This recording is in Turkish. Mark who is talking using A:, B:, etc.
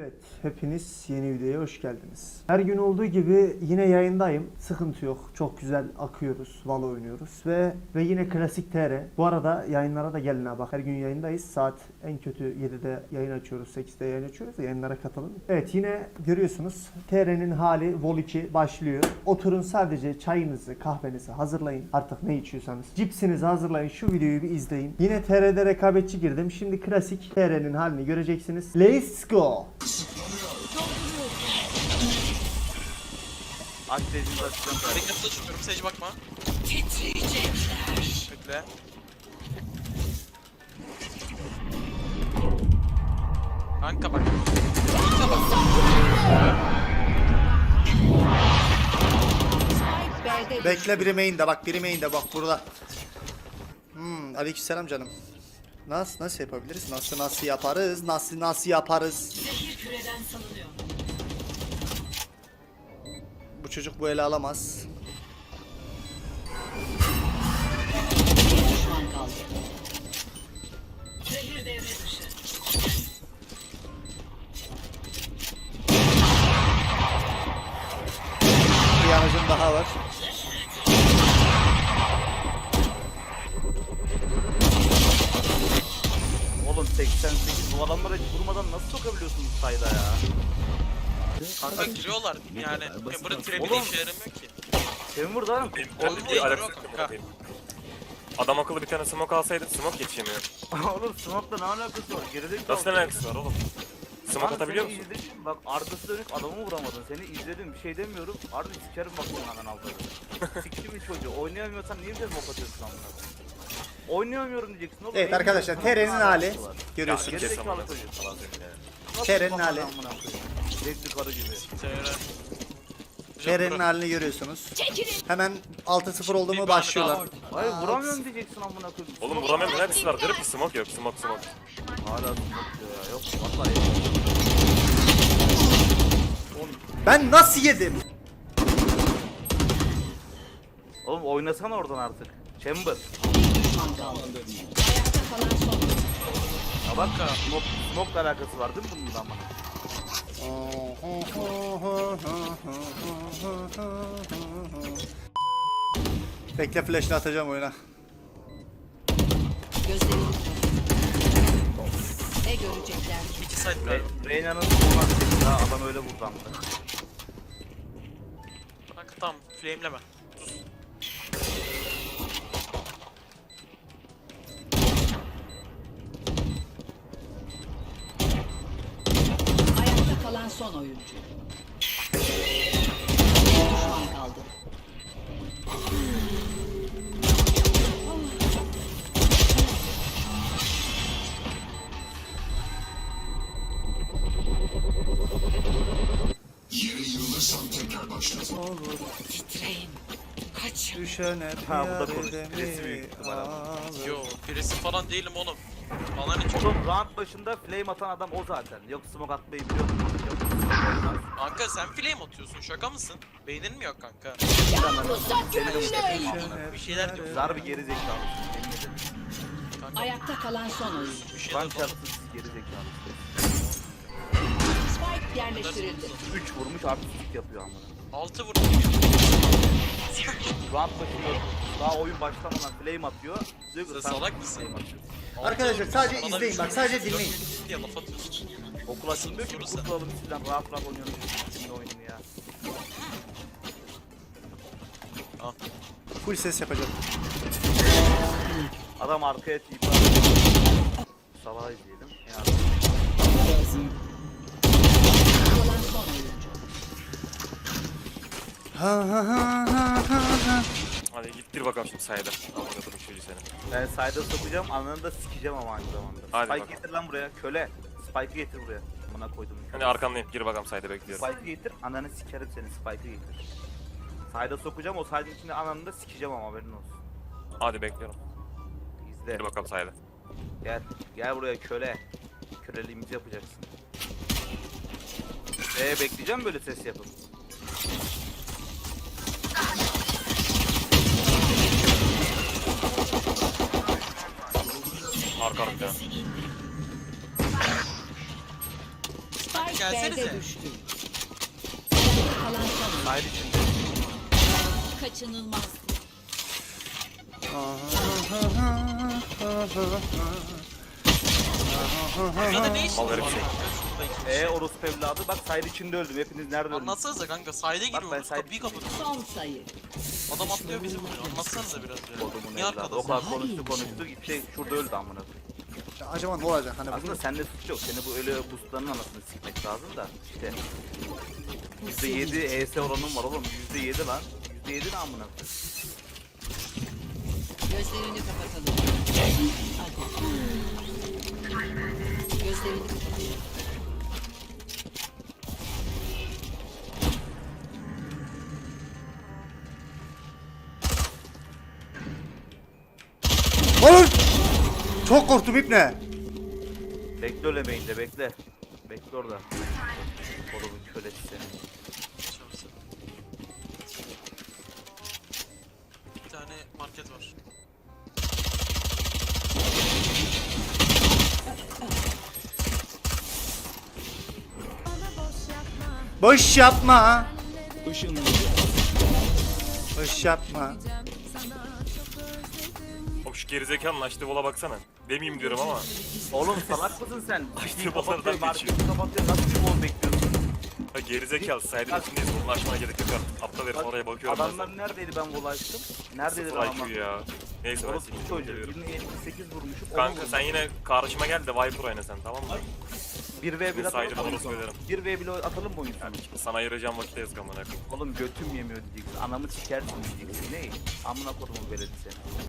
A: Evet, hepiniz yeni videoya hoş geldiniz. Her gün olduğu gibi yine yayındayım. Sıkıntı yok. Çok güzel akıyoruz, Valo oynuyoruz ve yine klasik TR. Bu arada yayınlara da gelin ha bak. Her gün yayındayız. Saat en kötü 7'de yayın açıyoruz, 8'de yayın açıyoruz. Yayınlara katılın. Evet, yine görüyorsunuz TR'nin hali Vol 2 başlıyor. Oturun, sadece çayınızı, kahvenizi hazırlayın. Artık ne içiyorsanız. Cipsinizi hazırlayın. Şu videoyu bir izleyin. Yine TR'de rekabetçi girdim. Şimdi klasik TR'nin halini göreceksiniz. Let's go.
B: Aç seyircimizi açacağım.
C: Harekatla çıkıyorum. Sage bakma.
D: Titriyecekler.
C: Bekle. Kanka bak. Kanka bak.
D: B'de
A: Bekle, biri main'de bak, biri main'de bak burada. Aleykümselam canım. Nasıl yapabiliriz? Nasıl yaparız? Nasıl yaparız?
D: zehir küreden salınıyor.
A: Bu çocuk bu ele alamaz.
D: Bir düşman kaldı. Zehir devre dışı.
A: Bir yanıcım daha var.
B: Oğlum 88 bu adamlara hiç vurmadan nasıl sokabiliyorsunuz sayda ya?
C: Kanka giriyorlar. Yani Emper'ın trebi de
B: Oğlum.
C: işe yaramıyor ki.
B: Kim vurdu lan?
C: Oğlum
E: Bir
C: giriyor
E: alakası
C: kanka.
E: yok. Adam akıllı bir tane smoke alsaydı smoke yetişemiyor.
B: Oğlum smoke'la ne alakası var? Gerizekalı.
E: Nasıl ne alakası var oğlum? Smoke
B: Lan
E: atabiliyor
B: seni
E: musun?
B: izledim. Bak arkası dönük adamı vuramadın. Seni izledim bir şey demiyorum. Harbi sikerim bak senin anan aldığını. Siktim mi çocuğu? Oynayamıyorsan niye bize smoke atıyorsun amına? Oynayamıyorum diyeceksin oğlum.
A: Evet arkadaşlar, TR'nin hali görüyorsunuz.
B: Gerizekalı çocuk. Nasıl
A: TR'nin
B: bakan
A: hali.
B: amına koyayım? Zevkli karı gibi.
A: TR'nin halini görüyorsunuz. Hemen 6-0 oldu mu
C: Bir
A: başlıyorlar.
C: bana
B: Hayır vuramıyorum diyeceksin amına koyayım.
E: Oğlum vuramıyorum, hepsi var. Garip bir smoke yok. Smoke.
B: Hala smoke diyor ya. Yok vallahi.
A: Ben nasıl yedim?
B: Oğlum oynasana oradan artık. Chamber.
D: Bir düşman kaldı. Ayakta kalan son.
B: Ya bak smoke'la alakası var değil mi bunun ama?
A: Bekle, flash'ını atacağım oyuna.
D: Gözlerini ne görecekler?
C: İki side galiba.
B: Reyna'nın olmaz ya adam öyle vurdu ama.
C: Kanka tamam. Flame'leme.
D: Ayakta kalan son oyuncu. Bir düşman kaldı. Titreyin. Kaç.
A: Düşene
B: Ha, bu da konuş.
A: piyade
B: Birisi büyük
A: mi
B: ihtimal ama.
A: alır?
C: Yo, birisi falan değilim oğlum. Bana ne çok.
B: Oğlum round başında flame atan adam o zaten. Yok smoke atmayı biliyordum. Yok smoke olmaz.
C: Kanka sen flame atıyorsun. Şaka mısın? Beynin mi yok kanka? Bir şeyler diyor.
B: Zar bir geri zekalı.
C: Kanka
D: Ayakta kalan son oyuncu.
C: bir şeyler
B: Ban
C: diyor.
B: çarpsız geri zekalı.
D: Spike yerleştirildi.
B: 3 vurmuş artistik yapıyor amına.
C: 6 vurdu.
B: Round başında daha oyun başlamadan flame atıyor. Diyor ki,
C: Sen
B: sen
C: salak mısın?
B: flame atıyorsun.
A: Arkadaşlar sadece
C: Bana
A: izleyin
C: bir
A: bak,
C: şey
A: sadece
C: diyorsun,
A: dinleyin.
C: diye laf atıyorsun.
B: Okul açılmıyor ki
C: Soru sen.
B: kurtulalım sizden rahat rahat oynuyoruz şimdi oyununu ya.
C: Al.
A: Full ses yapacağım.
B: Adam arkaya tip Sabah izleyelim. Yani
D: Kalan son oyuncu.
E: Hadi gittir bakalım şimdi sayda. Amına koydum çocuğu seni.
B: ben sayda sokacağım ananı da sikeceğim ama aynı zamanda.
E: Hadi
B: Spike
E: bakalım.
B: getir lan buraya köle. Spike'ı getir buraya. Buna koydum.
E: Hani arkandayım, gir bakalım sayda bekliyorum.
B: Spike'ı getir ananı sikerim seni Spike'ı getir. Sayda sokacağım o saydın içinde ananı da sikeceğim ama haberin olsun.
E: Hadi bekliyorum.
B: İzle.
E: Gir bakalım sayda.
B: Gel buraya köle. Köleliğimizi yapacaksın. Bekleyeceğim böyle ses yapıp.
E: Arka bir tane.
D: Spike Spike
C: gelsenize.
D: B'de düştü. Ayakta kalan son oyuncu.
B: Hayır içinde.
D: Kaçınılmaz.
C: Burada ne işin
E: Mal
C: var?
E: herif şey.
C: Şuradaki.
B: Orospu evladı bak side içinde öldüm. Hepiniz nerede öldünüz?
C: Anlatsanıza kanka sahile
B: ben
C: giriyoruz
B: sahil-
C: kapıyı kapatıyoruz.
D: Son sayı.
C: Adam atlıyor bizi vuruyor. Anlatsanıza biraz ya.
B: Kodumun
C: Niye
B: evladı. O
C: arkadasın?
B: kadar konuştu. Şey şurada öldü amına.
A: Acaba ne olacak hani
B: Aslında sende suç yok. Seni bu öyle boostların anasını sikmek lazım da. İşte. %7 ES oranım var oğlum. %7 lan. %7 ne amına?
D: Gözlerini kapatalım. Hadi. Gözlerini kapatalım.
A: Oğlum! Çok korktum ipne.
B: Bekle ölemeyin de bekle. Bekle orada. Kodumun kölesi seni.
C: Çalışsın. Bir tane market var.
A: Boş yapma. Boş yapma.
E: Oğlum şu gerizekalının açtığı vola baksana. Demeyeyim diyorum ama.
B: Oğlum salak mısın sen?
E: İşte
B: Bir
E: bu
B: kapatıyor,
E: aradan
B: marketi
E: geçiyor.
B: kapatıyor. Nasıl bir bol bekliyorsun?
E: Ha gerizekalı saydın içindeyiz. Bunu açmana gerek yok artık. Aptal herif oraya bakıyorum ben
B: Adamlar neredeydi ben vol açtım? Neredeydi
E: Sıfır
B: adamlar?
E: IQ ya. Neyse ben
B: Orospu
E: seni
B: çocuğu.
E: geliyorum.
B: Birine 78 vurmuşum.
E: Kanka sen yine karşıma gel de Viper oyna sen tamam mı?
B: 1v1
E: Bu
B: atalım
E: saydım,
B: mı oyun
E: onu
B: sonu?
E: söylerim.
B: 1v1 atalım mı oyun sonu?
E: Yani sana ayıracağım vakitte yazık amına koyayım.
B: Oğlum götüm yemiyor diyeceksin. Anamı sikersin diyeceksin. Ne? Amına kodumun beledi seni.